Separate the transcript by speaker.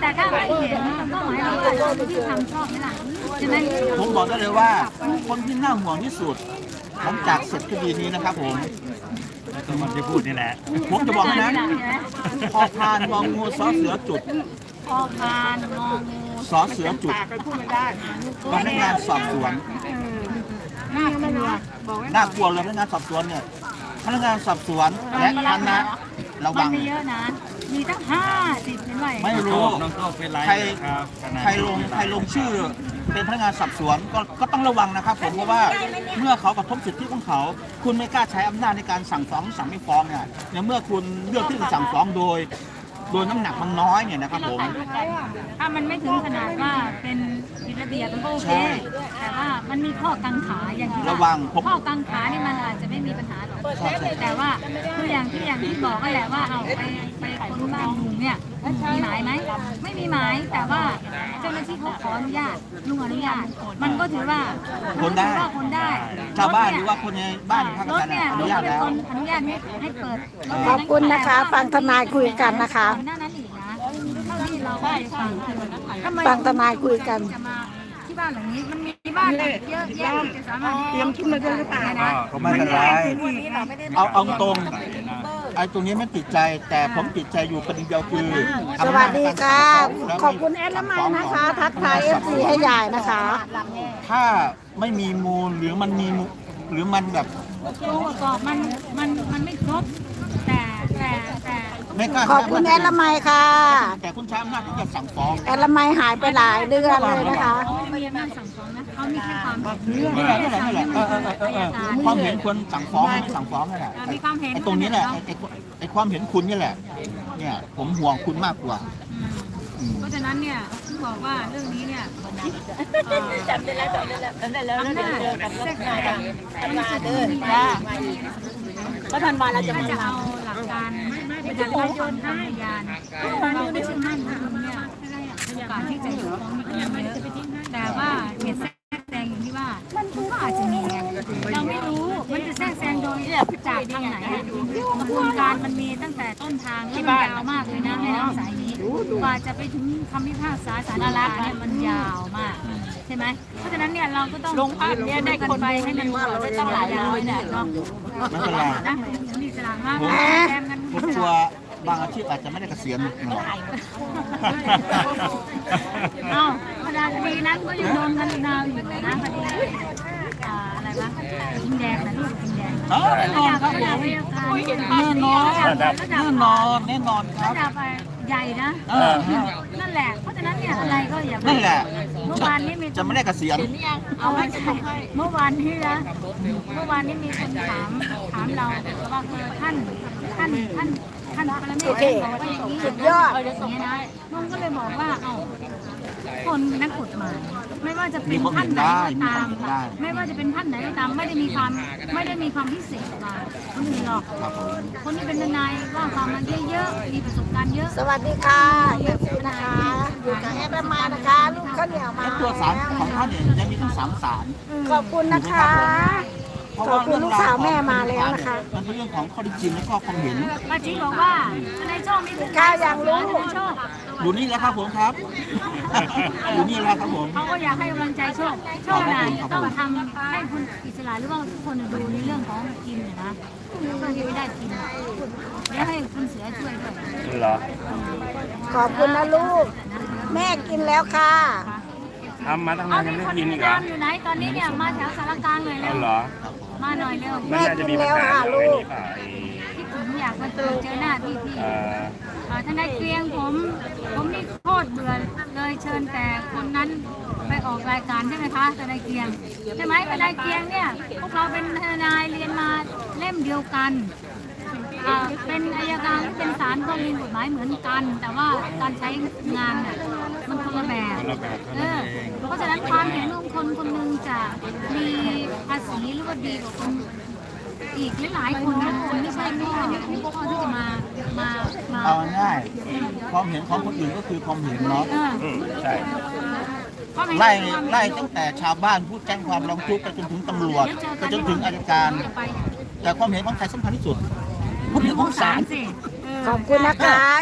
Speaker 1: แต่ถ้าไม่เห็นก็หมายความว่าเราที่ทำชอบนี่แหละใช่ไหม
Speaker 2: ผมบอกได้เลยว่าคนที่น่าห่วงที่สุดหลังจากเสร็จคดีนี้นะครับผม
Speaker 3: ตัวมันที่พูดนี่แหละ
Speaker 2: ผมจะบอกนะพอพานงองูสอเสือจุด
Speaker 1: พอพานงองู
Speaker 2: สอเสือจุดพนักงานสอบสวน
Speaker 1: น่ากลัว
Speaker 2: น่ากลัวเลยพนักงานสอบสวนเนี่ยพนักงานสอบสวนและคณะระวัง
Speaker 1: เยอะนะมีตั้ง50เป็นไร
Speaker 2: ไม่รู้ใครลงชื่อเป็นพนักงานสอบสวนก็ต้องระวังนะครับผมเพราะว่าเมื่อเขากระทบสิทธิของเขาคุณไม่กล้าใช้อำนาจในการสั่งฟ้องสั่งไม่ฟ้องเนี่ยเมื่อคุณเลือกที่จะสั่งฟ้องโดยน้ำหนักมันน้อยเนี่ยนะครับผม
Speaker 1: ถ้ามันไม่ถึงขนาดว่าเป็นผิดระเบียบมันก็โอเคแต่ว่ามันมีข้อกังขาอย่างที่
Speaker 2: ระวัง
Speaker 1: ข้อกังขานี่มันอาจจะไม่มีปัญหาหรอกแต่ว่าคืออย่างที่บอกก็แหละว่าเอาไปคนบ้านลุงเนี่ยมีหมายไหมไม่มีหมายแต่ว่าเจ้าหน้าที่เขาขออนุญาตลุงอนุญาตมันก็ถือว่า
Speaker 2: คนได้ชาวบ้านหรือว่าคนในบ้านภาคกลางอนุญาตแล้ว
Speaker 1: อนุญาตให้เปิด
Speaker 4: ขอบคุณนะคะฟังทนายคุยกันนะคะ
Speaker 1: หน้านั้นอีกนะเท่าที่เราได้
Speaker 4: ฟังทนายคุยกัน
Speaker 1: ที่บ้านหลังนี้มันมีบ้านเยอะแยะจะสามารถ
Speaker 4: เตรียมขึ้นมาด้วยหรือเปล่า
Speaker 2: เขาไม่เป็นไรเอาตรงไอ้ตรงนี้ไม่ติดใจแต่ผมติดใจอยู่ประเด็นเดียวคือ
Speaker 4: สวัสดีค่ะขอบคุณแอดละไมนะคะทักทายFCให้ยายนะคะ
Speaker 2: ถ้าไม่มีมูลหรือมันมีหรือมันแบบ
Speaker 1: องค์ประกอบมันไม่ครบแต่
Speaker 4: ขอบคุณแอดละไมค่ะ
Speaker 2: แต่คุณใช้อำนาจที่จะสั่งฟ้อง
Speaker 4: แอดละไมหายไปหลายเดือนเลยนะคะ
Speaker 1: ไม่มีอำนาจสั่งฟ้องนะเขามีแค่ความ
Speaker 2: นี่แหละความเห็นควรสั่งฟ้องไม่สั่งฟ้องนั่นแหละ
Speaker 1: มีความเห็น
Speaker 2: ไอ้ตรงนี้แหละไอ้ความเห็นคุณนี่แหละเนี่ยผมห่วงคุณมากกว่า
Speaker 1: เพราะฉะนั้นเนี่ยที่บอกว่าเรื่องนี้เนี่ยจำได้แล้วอำนาจแทรกแซงก็ทันวันเราจะเอาหลักการในการประโยชน์ทางพยานเราไม่เชื่อมั่นคุณเนี่ยโอกาสที่จะถูกฟ้องมีเยอะแต่ว่าเหตุแทรกแซงอย่างที่ว่ามันก็อาจจะมีเราไม่รู้มันจะแทรกแซงโดยจากทางไหนกระบวนการมันมีตั้งแต่ต้นทางแล้วมันยาวมากเลยนะในน้ำสายนี้กว่าจะไปถึงคำพิพากษาศาลฎีกาเนี่ยมันยาวมากใช่ไหมเพราะฉะนั้นเนี่ยเราก็ต้อง
Speaker 4: ลงภาพเนี่ยได้คนไปให้มันได้ตั้งหลายร้อยเนี่ยเนาะ
Speaker 2: ไม่เป็นไร
Speaker 1: มีสลากมาก
Speaker 2: ผมกลัวบางอาชีพอาจจะไม่ได้เกษียณ
Speaker 1: เอ้าคดีนั้นก็ยังโดนกันนาวอยู่นะคดีอะไรวะกินแดงนะลูกกินแดง
Speaker 2: แน่นอนครับผมแน่นอนครับ
Speaker 1: ระดับใหญ่นะนั่นแหละเพราะฉะนั้นเนี่ยอะไรก็อย่า
Speaker 2: นั่นแหละ
Speaker 1: เมื่อวานนี้มี
Speaker 2: จะไม่ได้เกษียณ
Speaker 1: เอาไม่ใช่เมื่อวานนี้นะเมื่อวานนี้มีคนถามเราว่าท่านปรเมศบอกว่าอย่างนี้สุดยอดอย่างนี้นะลุงก็เลยบอกว่าเอาคนนักกฎหมายไม่ว่าจะเป็นท่านไหนก็ตามไม่ว่าจะเป็นท่านไหนก็ตามไม่ได้มีความพิเศษกว่าคนอื่นหรอกคนที่เป็นทนายว่าความมาเยอะๆมีประสบการณ์เยอะ
Speaker 4: สวัสดีค่ะเอฟซีนะคะอยู่กับแอดละไมนะคะลูกข้าวเหนียวมา
Speaker 2: ตัวสารของท่านเนี่ยจะมีทั้ง3 สาร
Speaker 4: ขอบคุณนะคะขอบคุณลูกสาวแม่มาแล้วนะคะ
Speaker 2: มันเป็นเรื่องของข้อที่จริงและข้อความเห็น
Speaker 1: ป้าจีบอกว่าในช่องมี
Speaker 4: ข้าวอย่างรู้
Speaker 2: อยู่นี่แล้วครับผมครับอยู่นี่แล้วครับผม
Speaker 1: เขาก็อยากให้กำลังใจโชคนายต้องทำให้คุณอิสระหรือว่าทุกคนดูในเรื่องของกินนะเพื่อที่ไม่ได้กินแล้วให้คุณเสือช่วยด้วย
Speaker 3: เหรอ
Speaker 4: ขอบคุณนะลูกแม่กินแล้วค่ะ
Speaker 3: ทำมาตั้งนานยังไม่กินอีกเหรอ
Speaker 1: อยู่ไหนตอนนี้เนี่ยมาแถวสารกลางเลยเร็วมาหน่อยเร็ว
Speaker 4: แม่กินแล้วค่ะลูก
Speaker 1: ที่ผมอยากมาเจอหน้าพี่ทนายเกรียงผมนี่โคตรเบื่อเลยเชิญแต่คนนั้นไปออกรายการใช่ไหมคะทนายเกรียงใช่ไหมทนายเกรียงเนี่ยพวกเราเป็นทนายเรียนมาเล่มเดียวกันเป็นอัยการเป็นศาลก็มีกฎหมายเหมือนกันแต่ว่าการใช้งานเนี่ยมันคนละแบบเพราะฉะนั้นความเห็นของคนคนหนึ่งจะมีภาษีหรือว่าดีกว่าคนอีกหลายคนนะคนไม่ใช่ไม่ข้อที่จะมา
Speaker 2: เอาง่ายความเห็นของคนอื่นก็คือความเห็นเนาะ
Speaker 3: ใช่
Speaker 2: ไล่ตั้งแต่ชาวบ้านผู้แจ้งความร้องทุกข์ไปจนถึงตำรวจไปจนถึงอัยการแต่ความเห็นของใครสำคัญที่สุดความเห็นของศาล
Speaker 4: ขอบคุณนะคะ